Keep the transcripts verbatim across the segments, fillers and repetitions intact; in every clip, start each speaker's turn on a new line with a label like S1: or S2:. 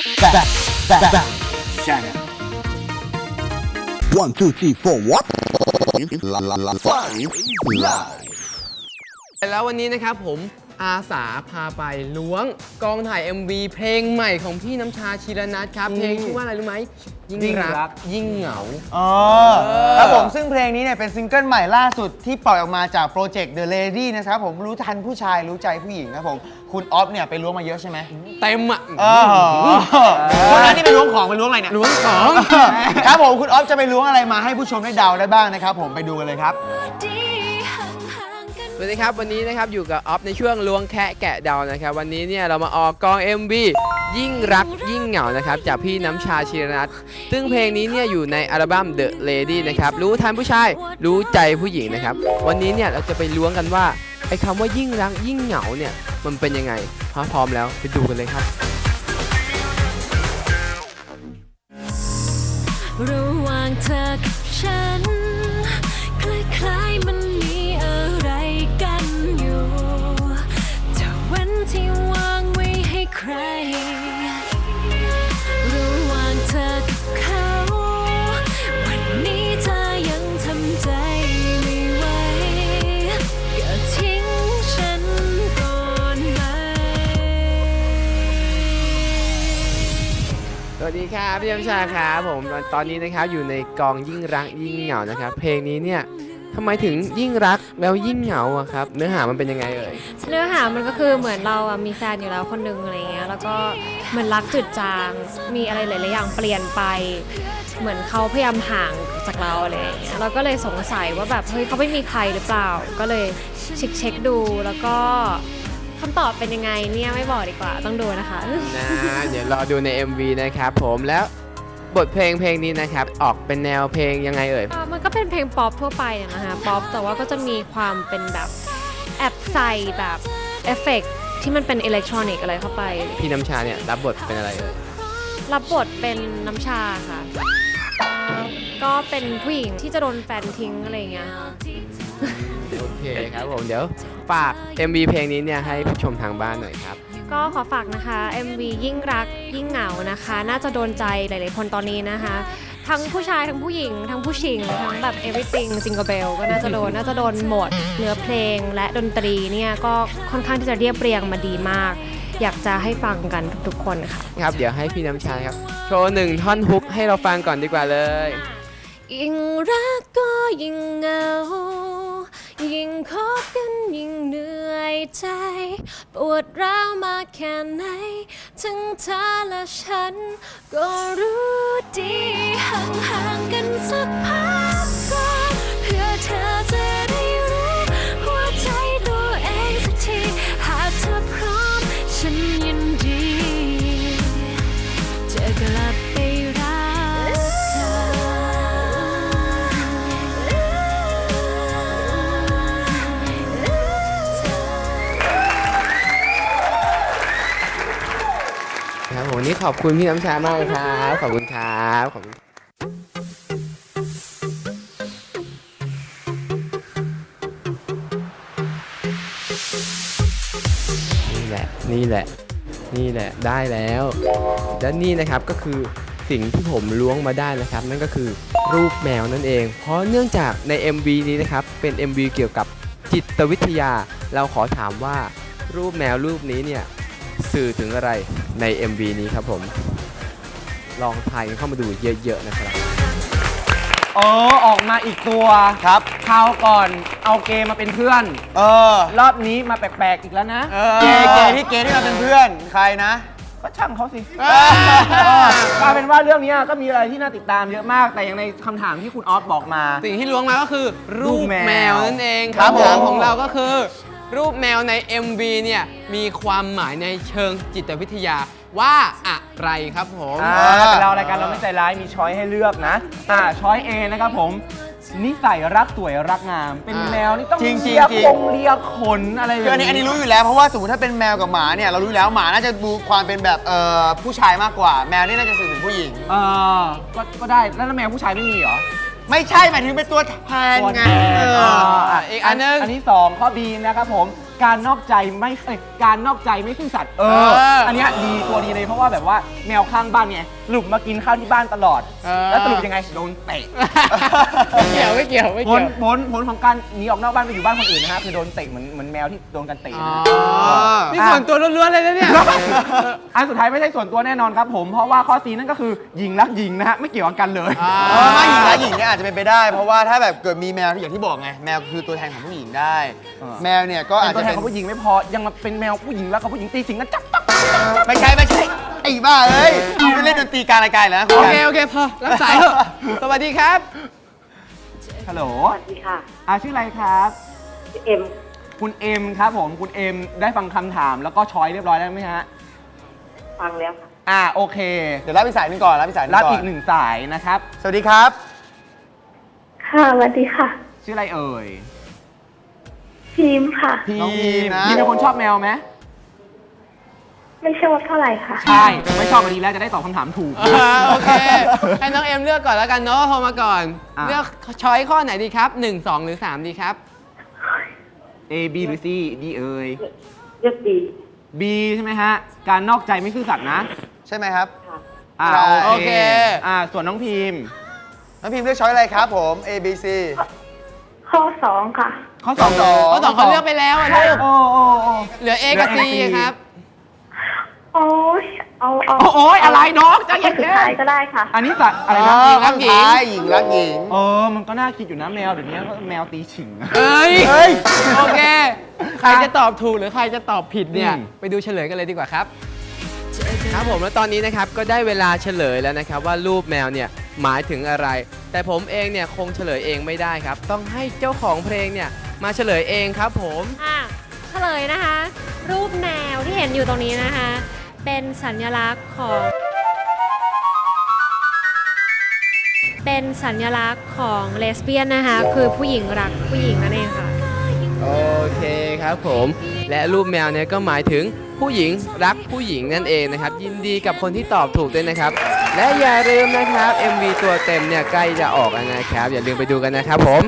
S1: Back, back, back, Channel. One, two, three, four, what? La la la five live.
S2: แล้ววันนี้นะครับผมอาสาพาไปล้วงกองถ่าย เอ็ม วี เพลงใหม่ของพี่น้ำชาชีรนัทครับเพลงชื่อว่าอะไรรู้ไหมยิ่งรักยิ่งเหงา
S3: อ๋อครับผมซึ่งเพลงนี้เนี่ยเป็นซิงเกิลใหม่ล่าสุดที่ปล่อยออกมาจากโปรเจกต์ The Lady นะครับผมรู้ทันผู้ชายรู้ใจผู้หญิงครับผมคุณออฟเนี่ยไปล้วงมาเยอะใช่ไหม
S2: เต็มอ่ะ
S3: คนนั้นที่ไปล้วงของไปล้วงอะไรเนี่ย
S2: ล้วงของ
S3: ครับผมคุณออฟจะไปล้วงอะไรมาให้ผู้ชมได้เดาได้บ้างนะครับผมไปดูกันเลยครับ
S2: สวัสดีครับวันนี้นะครับอยู่กับออฟในช่วงล้วงแคะแกะเดานะครับวันนี้เนี่ยเรามาออกกอง เอ็ม วี ยิ่งรักยิ่งเหงานะครับจากพี่น้ำชาชีรนัทซึ่งเพลงนี้เนี่ยอยู่ในอัลบั้ม The Lady นะครับรู้ทันผู้ชายรู้ใจผู้หญิงนะครับวันนี้เนี่ยเราจะไปล้วงกันว่าไอ้คำว่ายิ่งรักยิ่งเหงาเนี่ยมันเป็นยังไงพร้อมแล้วไปดูกันเลยครับ
S4: ระหว่างเธอกับฉันคล้ายๆมันมีอะไรกันอยู่แต่วันที่วางไว้ให้ใครระหว่างเธอกับเขาวันนี้เธอยังทำใจไม่ไหวก็ทิ้งฉันก่อนไหม
S2: สวัสดีครับพี่น้ำชาครับผมตอนนี้นะครับอยู่ในกองยิ่งรักยิ่งเหงานะครับเพลงนี้เนี่ยทำไมถึงยิ่งรักแล้วยิ่งเหงาอะครับเนื้อหามันเป็นยังไงเอ่ย
S4: เนื้อหามันก็คือเหมือนเราอะมีแฟนอยู่แล้วคนหนึ่งอะไรเงี้ยแล้วก็เหมือนรักจืดจางมีอะไรหลายๆอย่างเปลี่ยนไปเหมือนเขาพยายามห่างจากเราอะไรเงี้ยเราก็เลยสงสัยว่าแบบเฮ้ยเขาไม่มีใครหรือเปล่าก็เลยเช็คเช็คดูแล้วก็คำตอบเป็นยังไงเนี่ยไม่บอกดีกว่าต้องดูนะคะ
S2: นะเดี๋ยวรอดูใน เอ็ม วี นะครับผมแล้วบทเพลงเพลงนี้นะครับออกเป็นแนวเพลงยังไงเอ่ย
S4: มันก็เป็นเพลงป๊อปทั่วไปนะคะป๊อปแต่ว่าก็จะมีความเป็นแบบแอบใส่แบบเอฟเฟกต์ที่มันเป็นอิเล็กทรอนิกส์อะไรเข้าไป
S2: พี่น้ำชาเนี่ยรับบทเป็นอะไรเอ่ย
S4: รับบทเป็นน้ำชาค่ะก็เป็นผู้หญิงที่จะโดนแฟนทิ้งอะไรอย่างเงี้ย
S2: โอเคครับผมเดี๋ยวฝาก เอ็ม วี เพลงนี้เนี่ยให้ผู้ชมทางบ้านหน่อยครับ
S4: ก็ขอฝากนะคะ เอ็ม วี ยิ่งรักยิ่งเหงานะคะน่าจะโดนใจหลายๆคนตอนนี้นะคะทั้งผู้ชายทั้งผู้หญิงทั้งผู้ชิงทั้งแบบ everything Jingle Bell ก็น่าจะโดนน่าจะโดนหมดเนื้อเพลงและดนตรีเนี่ยก็ค่อนข้างที่จะเรียบเรียงมาดีมากอยากจะให้ฟังกันทุกๆคนค่ะ
S2: ครับเดี๋ยวให้พี่น้ำชาครับโชว์หนึ่งท่อนฮุกให้เราฟังก่อนดีกว่าเลย
S4: ยิ่งรักก็ยิ่งเหงายิ่งคบกันยิ่งเหนื่อยใจปวดร้าวมากแค่ไหนทั้งเธอและฉันก็รู้ดีห่างๆกันสักพักก่อนเพื่อเธอจะได้รู้หัวใจตัวเองสักทีหากเธอพร้อมฉันยินดีจะกลับไปรักเธอ
S2: ครับผมวันนี้ขอบคุณพี่น้ำชามากเลยครับขอบคุณครับขอบคุณนี่แหละนี่แหละนี่แหละได้แล้วและนี่นะครับก็คือสิ่งที่ผมล้วงมาได้นะครับนั่นก็คือรูปแมวนั่นเองเพราะเนื่องจากใน เอ็ม วี นี้นะครับเป็น เอ็ม วี เกี่ยวกับจิตวิทยาเราขอถามว่ารูปแมวรูปนี้เนี่ยสื่อถึงอะไรใน เอ็ม วี นี้ครับผมลองทายกันเข้ามาดูเยอะๆนะครับ
S5: เออออกมาอีกตัว
S3: ครับ
S5: คราวก่อนเอาเกย์มาเป็นเพื่อน
S3: เออ
S5: รอบนี้มาแปลกๆอีกแล้วนะ
S3: เกย์เกย์ที่เกย์ที่มาเป็นเพื่อนใครนะ
S5: ก็ช่างเขาสิกลายเป็นว่าเรื่องนี้ก็มีอะไรที่น่าติดตามเยอะมากแต่อย่างในคำถามที่คุณออฟบอกมา
S2: สิ่งที่ล้วงมาก็คือรูปแมวนั่นเองคำถามของเราก็คือรูปแมวใน เอ็ม วี เนี่ยมีความหมายในเชิงจิตวิทยาว่าอะไรครับผม
S5: แต่เรารายการเราไม่ใจร้ายมีช้อยให้เลือกนะอ่าช้อย A นะครับผมนิสัยรักสวยรักงามเป็นแมวนี่ต้องเลียคงเลียขนอะไร
S3: คืออันนี้อันนี้รู้อยู่แล้วเพราะว่าสมมติถ้าเป็นแมวกับหมาเนี่ยเรารู้แล้วหมาน่าจะดูความเป็นแบบเอ่อผู้ชายมากกว่าแมวนี่น่าจะสื่อถึงผู้หญิง
S5: เออก็ก็ได้แล้วแมวผู้ชายไม่มีเหรอ
S3: ไม่ใช่หมายถึงเป็นตัวแทนไง
S5: อีกอันนึงอันที่สองข้อ B นะครับผมการนอกใจไม่เอ้ยการนอกใจไม่ซื่อสัตย์เออ อันเนี้ยดีตัวดีเลยเพราะว่าแบบว่าแมวข้างบ้านไงหลุมมากินข้าวที่บ้านตลอด แล้วสรุปยังไงโดนเตะ
S2: ไม่เกี่ยวไม่เกี่ยวไม่
S5: ผ
S2: เกี่
S5: ล
S2: ยว
S5: ผลผลของการหนีออกนอกบ้านไปอยู่บ้านคนอื่นนะฮะคือโดนเตะเหมือนเหมือนแมวที่โดนกันเตะ
S2: อ๋อ
S5: นะ
S2: นี่ส่วนตัวล้วนๆเลยนะเนี่ย
S5: อันสุดท้ายไม่ใช่ส่วนตัวแน่นอนครับผมเพราะว่าข้อซีนั่นก็คือหญิงรักหญิงนะฮะไม่เกี่ยวกันเลย
S2: อ่า
S3: เออไม่หญิงและหญิงเนี่ยอาจจะเป็นไปได้ เพราะว่าถ้าแบบเกิดมีแมวอย่างที่บอกไงแมวคือตัวแทนของผู้หญิงได้
S5: เออ
S3: แมวเนี่ยก็อาจ
S5: เป็นตัว
S3: จะ
S5: แทน
S3: เป็น
S5: ของผู้หญิงไม่พอยังมาเป็นแมวผู้หญิงแล้วกับผู้หญิงตีสิงกันจับจับ
S3: ไม่ใช่ไม่ใช่ไอ้บ้าเอ้ยไม่เล่นดนตรีกลารรายการแล้วนะคุ
S2: โอ
S3: ณ
S2: เค โอเค พอ รับสายเถอะสวัสดีครับ
S5: ฮัลโหล
S6: สวัสดีค่ะ
S5: อาชื่ออะไรครับ
S6: ชื่อเอ็ม
S5: คุณเอ็มครับผมคุณเอ็มได้ฟังคำถามแล้วก็ช้อยเรียบร้อยแล้วไหมฮะ
S6: ฟังแล้วค่ะ
S5: อ่าโอเค
S3: เดี๋ยวรับอีกสายหนึงก่อนรับอีกสายหนึง
S5: รับ
S3: ก่อน
S5: อีกหนึ่งสายนะครับ
S3: สวัสดีครับ
S6: ค่ะสวัสดีค่ะ
S5: ชื่ออะไรเอ่ย
S6: พิมพ์ค่ะ
S5: พี
S3: น้องพีม
S5: ม
S3: นะ
S5: พีมเป็นคนชอบแมวไหม
S6: ไม่ชอบเท่าไหร่ค่ะ
S5: ใช่ไม่ชอบก็ดีแล้วจะได้ตอบคำถามถูก
S2: อ่าโอเค ให้น้องเอ็มเลือกก่อนแล้วกันเนาะโทรมาก่อน
S5: อ่ะ
S2: เลือกช้อยข้อไหนดีครับหนึ่ง สอง หรือ สาม ดีครับ
S5: A B หรือ C D เอ่ย
S6: เลือกดี
S5: B ใช่ไหมฮะ การนอกใจไม่ซื่อสัตย์นะ
S3: ใช่ไหมครับ
S6: ค่ะ
S5: อ่า
S2: โอเค
S5: อ่าส่วนน้องพิมพ์
S3: น้องพิมพ์เลือกช้อยอะไรครับผม A B C
S6: ข้อสองค่ะ
S5: ข้อสอง
S3: ข้อสอง
S2: ข้อสองเขาเลือกไปแล้วอะลูก
S5: โอ้โอ้โอ้
S2: เหลือ A กับ C
S5: เหลือ A กับ C
S2: ครับ
S6: โอ้ยเอาเอา
S5: โอ้ยอะไรน้องใจ
S6: ข้
S5: เย็
S6: อน สุดท้ายก็ได้ค่ะ
S5: ๆอันนี้สัตว์อะไรนะ
S2: หญิงรักหญิง
S3: ท้ายหญิงรักหญิง
S5: เออมันก็น่าคิดอยู่นะแมวเดี๋ยวนี้แมวตีฉิง
S2: เอ้ย
S3: เฮ้ย
S2: โอเค ใครจะตอบถูกหรือใครจะตอบผิดเนี่ย
S5: อืม
S2: ไปดูเฉลยกันเลยดีกว่าครับ ครับผมแล้วตอนนี้นะครับก็ได้เวลาเฉลยแล้วนะครับว่ารูปแมวเนี่ยหมายถึงอะไร แต่ผมเองเนี่ยคงเฉลยเองไม่ได้ครับ ต้องให้เจ้าของเพลงเนี่ยมาเฉลยเองครับผม
S4: อ่ะเฉลยนะคะ รูปแมวที่เห็นอยู่ตรงนี้นะคะ เป็นสัญลักษณ์ของ เป็นสัญลักษณ์ของเลสเบี้ยนนะคะ คือผู้หญิงรักผู้หญิงนั่นเองค่ะ
S2: โอเคครับผมและรูปแมวเนี่ยก็หมายถึงผู้หญิงรักผู้หญิงนั่นเองนะครับยินดีกับคนที่ตอบถูกด้วยนะครับ และอย่าลืมนะครับ เอ็ม วี ตัวเต็มเนี่ยใกล้จะออกแล้วนะครับ อย่าลืมไปดูกันนะครับผม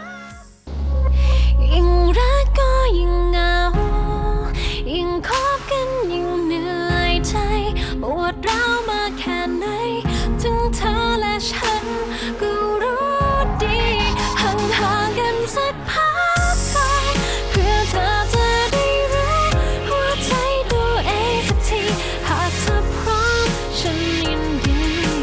S4: ยิ่งรักก็ยิ่งเหงา ยิ่งคบกันยิ่งเหนื่อยใจปวดร้าวมากแค่ไหนถึงเธอและฉันก็รู้ดีห่างห่างกันสักพักไปเพื่อเธอจะได้รู้หัวใจตัวเองสักทีหากเธอพร้อมฉันยินดี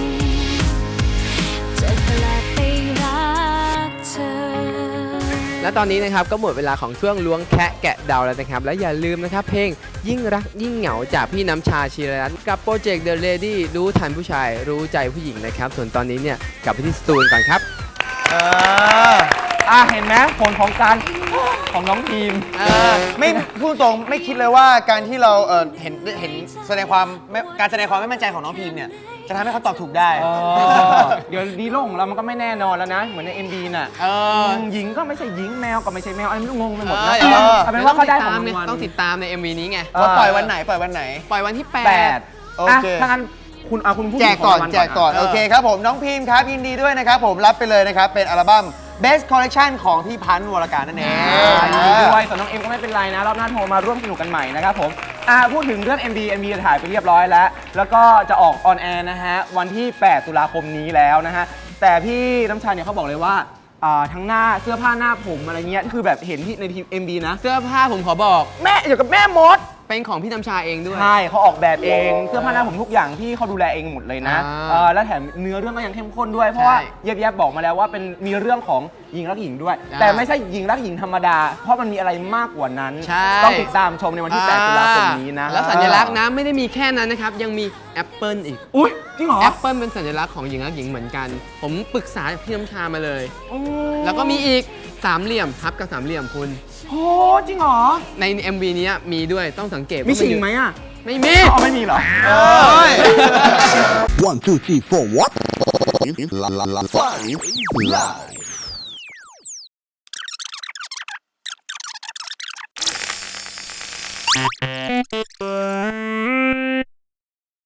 S4: จะกลับไปรักเธอ
S2: และตอนนี้นะครับก็หมดเวลาของช่วงล้วงแคะแกะเดาแล้วนะครับ และอย่าลืมนะครับเพลงยิ่งรักยิ่งเหงาจากพี่น้ำชาชีรรัตน์กับโปรเจกต์ The Lady รู้ทันผู้ชายรู้ใจผู้หญิงนะครับ ส่วนตอนนี้เนี่ยกลับไปที่สตูนก่อนครับ
S3: เออ
S5: อ่ะเห็นไหมผลของการของน้องทีม
S3: เออไม่พูดตรงไม่คิดเลยว่าการที่เราเออเห็นเห็นแสดงความไม่การแสดงความไม่มั่นใจของน้องพิมเนี่ยจะทำให้เขาตอบถูกได้
S5: เออเดี๋ยวดีโลกของเรามันก็ไม่แน่นอนแล้วนะ เหมือนใน เอ็ม บี น่ะ
S2: เออ
S5: มหญิงก็ไม่ใช่หญิงแมวก็ไม่ใช่แมวอะไรไม่รู้งงไปหมด
S2: เอ
S5: นะ
S2: อเดี๋ยว
S5: เอาเป็นว่าเขาได้ของ
S2: ต้
S5: รา
S2: อง
S5: งวัล
S2: ต้องติดตามใน เอ็ม วี นี้ไง
S3: ว่าปล่อยวันไหนปล่อยวันไหน
S2: ปล่อยวันที่
S5: แป
S2: แป
S5: ด
S2: ด
S3: โอ
S5: อ่ะ
S3: เค
S5: ถ้างั้นคุณเอาคุณพูด
S3: แจกก่อน
S5: ถึงขงรางวัล
S3: แจกก่อน
S2: เออ
S3: โอเคครับผมน้องพิมครับยินดีด้วยนะครับผมรับไปเลยนะครับ เป็นอัลบั้ม Best Collection ของพี่พันธ์วรการนั่นเอง
S5: อ่ายินดีด้วยส่วนน้องเอ็มก็ไม่เป็นไรนะ รอบหน้าโทรมาร่วมสนุกกันใหม่นะครับผมอ่าพูดถึงเรื่อง เอ็ม บี เอ็ม บี ถ่ายไปเรียบร้อยแล้ว แล้วก็จะออกออนแอร์นะฮะ วันที่ แปด ตุลาคมนี้แล้วนะฮะ แต่พี่น้ำชาเนี่ยเขาบอกเลยว่าอ่าทั้งหน้าเสื้อผ้าหน้าผมอะไรเงี้ยคือแบบเห็นที่ในทีม เอ็ม บี นะ
S2: เสื้อผ้าผมขอบอก
S5: แม่เดี๋ยวกับแม่มด
S2: เป็นของพี่น้ำชาเองด้วย
S5: ใช่เขาออกแบบเองเสื้อผ้าหน้าผมทุกอย่างที่เขาดูแลเองหมดเลยนะ
S2: อ่า
S5: เออแล้วแถมเนื้อเรื่องก็ยังเข้มข้นด้วยเพราะว่า
S2: ใช่
S5: เย็บแยบบอกมาแล้วว่าเป็นมีเรื่องของหญิงรักหญิงด้วย
S2: อ่า
S5: แต่ไม่ใช่หญิงรักหญิงธรรมดา เพราะมันมีอะไรมากกว่านั้น
S2: ใช่
S5: ต้องติดตามชมในวันที่ แปด ตุลาคมนี้นะ
S2: แล้วสัญลักษณ์นะไม่ได้มีแค่นั้นนะครับ ยังมีแอปเปิลอีก
S5: อุ้ยจริงเหรอ
S2: แอปเปิลเป็นสัญลักษณ์ของหญิงรักหญิงเหมือนกัน ผมปรึกษาพี่น้ำชามาเลย
S5: โอ้
S2: แล้วก็มีอีกสามเหลี่ยมทับกับสามเหลี่ยมคุณ
S5: โหจริงเหรอ
S2: ใน เอ็ม วี เนี้ยมีด้วยต้องสังเกต
S5: มี
S2: ว่า
S5: ชิง
S2: อยู่
S5: ไหมอ่ะ
S2: ไม่มี
S5: อ๋อไม่มีเหรอ
S3: เอ้ย
S1: One, two, three, four, what? La la la five live.